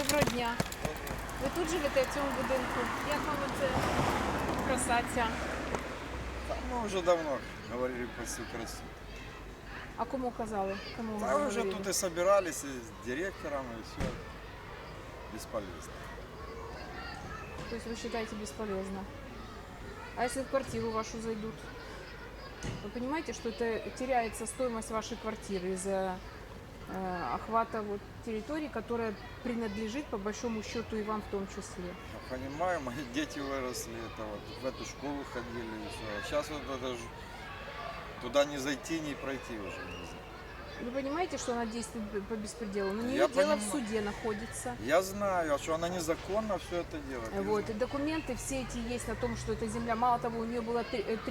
Доброго дня. Ви тут живете в цьому будинку? Як вам оце красаця? Мы уже давно говорили про всю красоту. А кому казали? Кому Да, ви уже говорили? тут и собирались, и с директором, и все. Бесполезно. То есть вы считаете бесполезно? А если в квартиру вашу зайдут? Вы понимаете, что это теряется стоимость вашей квартиры из-за охвата вот территории, которая принадлежит по большому счету и вам в том числе? Я понимаю, мои дети выросли, это вот в эту школу ходили, и все. А сейчас вот это же туда не зайти, не пройти уже нельзя. Вы понимаете, что она действует по беспределу? На нее Я дело в понимаю. суде находится. Я знаю, а что она незаконно все это делает. я Вот, и знаю. документы все эти есть на том, что эта земля, мало того, у нее было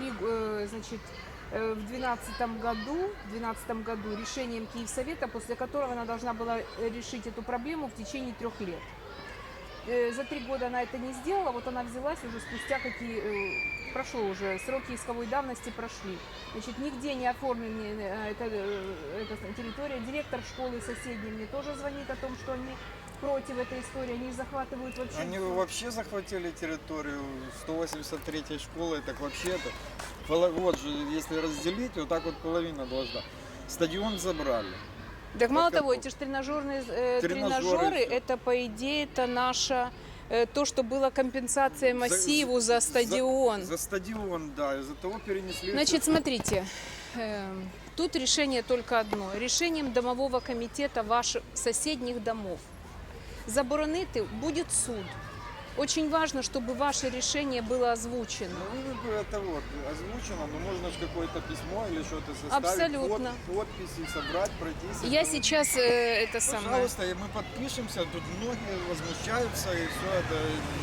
в 2012 году решением Киевсовета, после которого она должна была решить эту проблему в течение 3 лет. За 3 года она это не сделала, вот она взялась уже спустя прошло уже, сроки исковой давности прошли. Значит, нигде не оформлена эта территория. Директор школы соседней мне тоже звонит о том, что они против этой истории, они захватывают вообще... Они всё. вообще захватили территорию 183-й школы, так вообще это, вот же, если разделить, вот так вот половина должна. Стадион забрали. Так мало Как того, это? эти же тренажеры, Тренажеры, всё. это по идее это наша то, что была компенсация массиву за стадион. За стадион, да, из-за того перенесли. Значит, смотрите, тут решение только одно. Решением домового комитета ваших соседних домов. Заборонити будет суд. Очень важно, чтобы ваше решение было озвучено. Ну, это вот озвучено, но можно же какое-то письмо или что-то составить, Абсолютно. подписи собрать, пройтись. Я сейчас это самое... Пожалуйста, и мы подпишемся, тут многие возмущаются, и все это.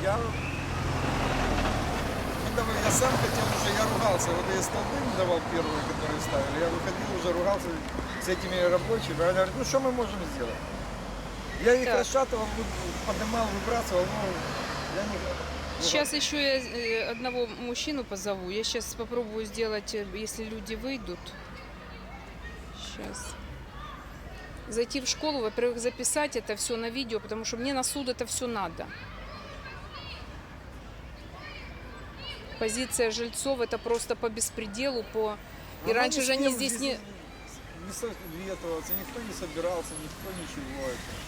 Я сам хотел уже, я ругался, вот я столбы не давал первые, которые ставили, я выходил, уже ругался с этими рабочими, они говорят, ну что мы можем сделать? Я их Так. расшатывал, поднимал, выбрасывал, но я не... Сейчас еще я одного мужчину позову. Я сейчас попробую сделать, если люди выйдут. Сейчас. Зайти в школу, во-первых, записать это все на видео, потому что мне на суд это все надо. Позиция жильцов это просто по беспределу, И раньше же они здесь не... Не советоваться, никто не собирался, никто ничего.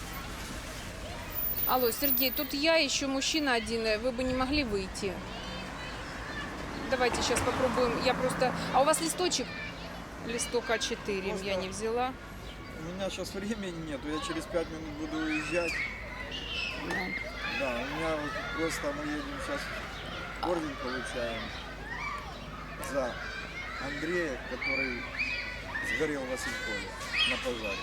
Алло, Сергей, тут я, еще мужчина один, вы бы не могли выйти? Давайте сейчас попробуем. Я просто... А у вас листочек? Листок А4 Просто- я не взяла. У меня сейчас времени нету, я через 5 минут буду уезжать. Да, у меня вот просто мы едем сейчас, орден получаем за Андрея, который сгорел в Василькове на пожаре.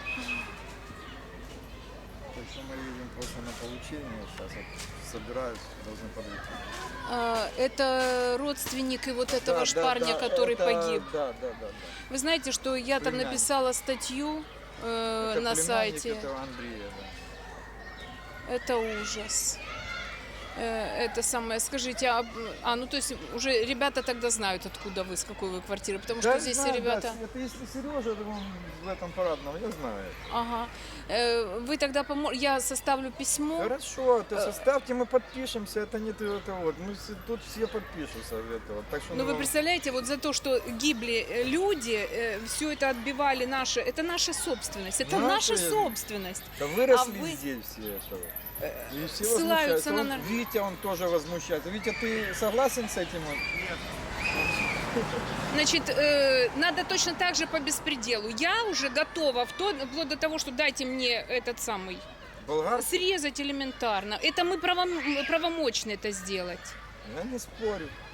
Так что мы едем просто на получение, сейчас вот собираюсь, должны подойти. Это родственник и вот этого ж парня, который погиб. Да. Вы знаете, что я там Племянник. написала статью Это на племянник сайте. этого Андрея, да. Это ужас. Это самое, скажите, ну то есть уже ребята тогда знают, откуда вы, с какой вы квартиры, потому что Да, здесь знаю, ребята... да, это если Сережа, то он в этом парадном, я знаю. Ага. Вы тогда я составлю письмо. Хорошо, то составьте, мы подпишемся, это не это вот, мы тут все подпишутся в это вот. Так что, Но вы представляете, вот за то, что гибли люди, все это отбивали это наша собственность, это наша Наши? собственность. Да выросли а вы- здесь все это. И все ссылаются возмущаются. на Вот Витя, он тоже возмущается. Витя, ты согласен с этим? Значит, надо точно так же по беспределу. Я уже готова вплоть до того, что дайте мне этот самый, Болгарский? срезать элементарно. Это мы правомочны это сделать. Я не спорю.